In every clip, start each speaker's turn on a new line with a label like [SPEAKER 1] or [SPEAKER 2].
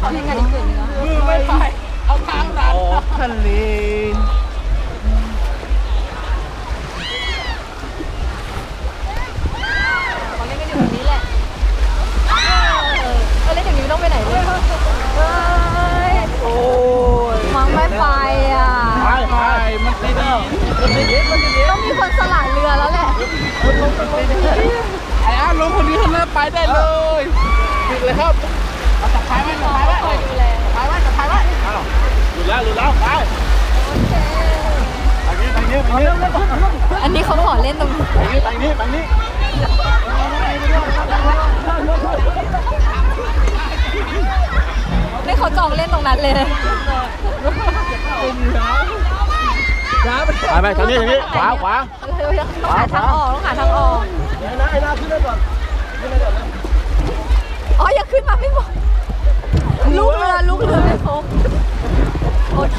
[SPEAKER 1] เขาเล่นกันอีกกลุ่มนึง
[SPEAKER 2] มือไม่ไปเอาทางดันทะเล
[SPEAKER 1] เขาเล่นกันอยู่ตรงนี้แหละเขาเล่นอย่างนี้ต้องไปไหนเลย
[SPEAKER 2] โอ้ย
[SPEAKER 1] มังไม่ไปอ่ะ
[SPEAKER 2] ไปมันติด
[SPEAKER 1] ต้องมีคนสละเรือแล้วแหละ
[SPEAKER 2] ไอ้อาลงคนนี้เขาเริ่มไปได้เลยติดเลยครับเอาจับท้ายไว้จับท้ายไว้
[SPEAKER 1] คอยดูแล
[SPEAKER 2] ท้ายไว้จับท้ายไว้หลุดแล้วไป
[SPEAKER 1] โอเค
[SPEAKER 2] ไปนี้
[SPEAKER 1] อันนี้เขาขอเล่นตรงนี้
[SPEAKER 2] ไปนี้
[SPEAKER 1] ไม่เขาจองเล่นตรงนั้นเลย
[SPEAKER 2] ไปทางนี้ขวา
[SPEAKER 1] ต้องหาทางออกไอ้นาขึ้นได้ก่อนอ๋ออย่าขึ้นมาไม่หมดลูกเรือไม่ครบโอเค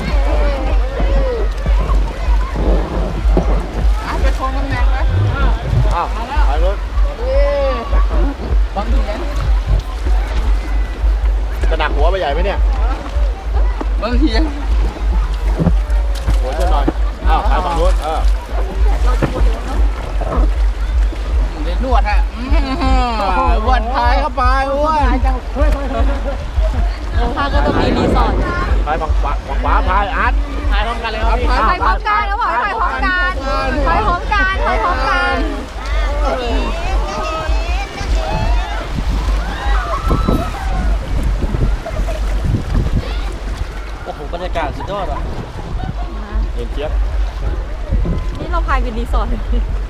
[SPEAKER 2] ไปชนกันแรงไหมอ้าวไปรถบางทีจะหนักหัวไปใหญ่ไหมเนี่ยบางทีหัวจะหน่อยอ้าวไปฝั่งนู้นเดี๋ยวนวดฮะวันท้ายเข้าไปอ้วน
[SPEAKER 1] ทางก็จะมีรีสอร์ท
[SPEAKER 2] ไปฝั่งขวาพายอาร์ตพายพร้อมกันเลยครับ
[SPEAKER 1] ไปพร้อมกันแล้วบอกไปพร้อมกันไปพร้อมกัน
[SPEAKER 3] โอ้โหบรรยากาศสุดยอดอ่ะ
[SPEAKER 2] เย็นเจี๊ยบ
[SPEAKER 1] นี่เราพายเป็นรีสอร์ท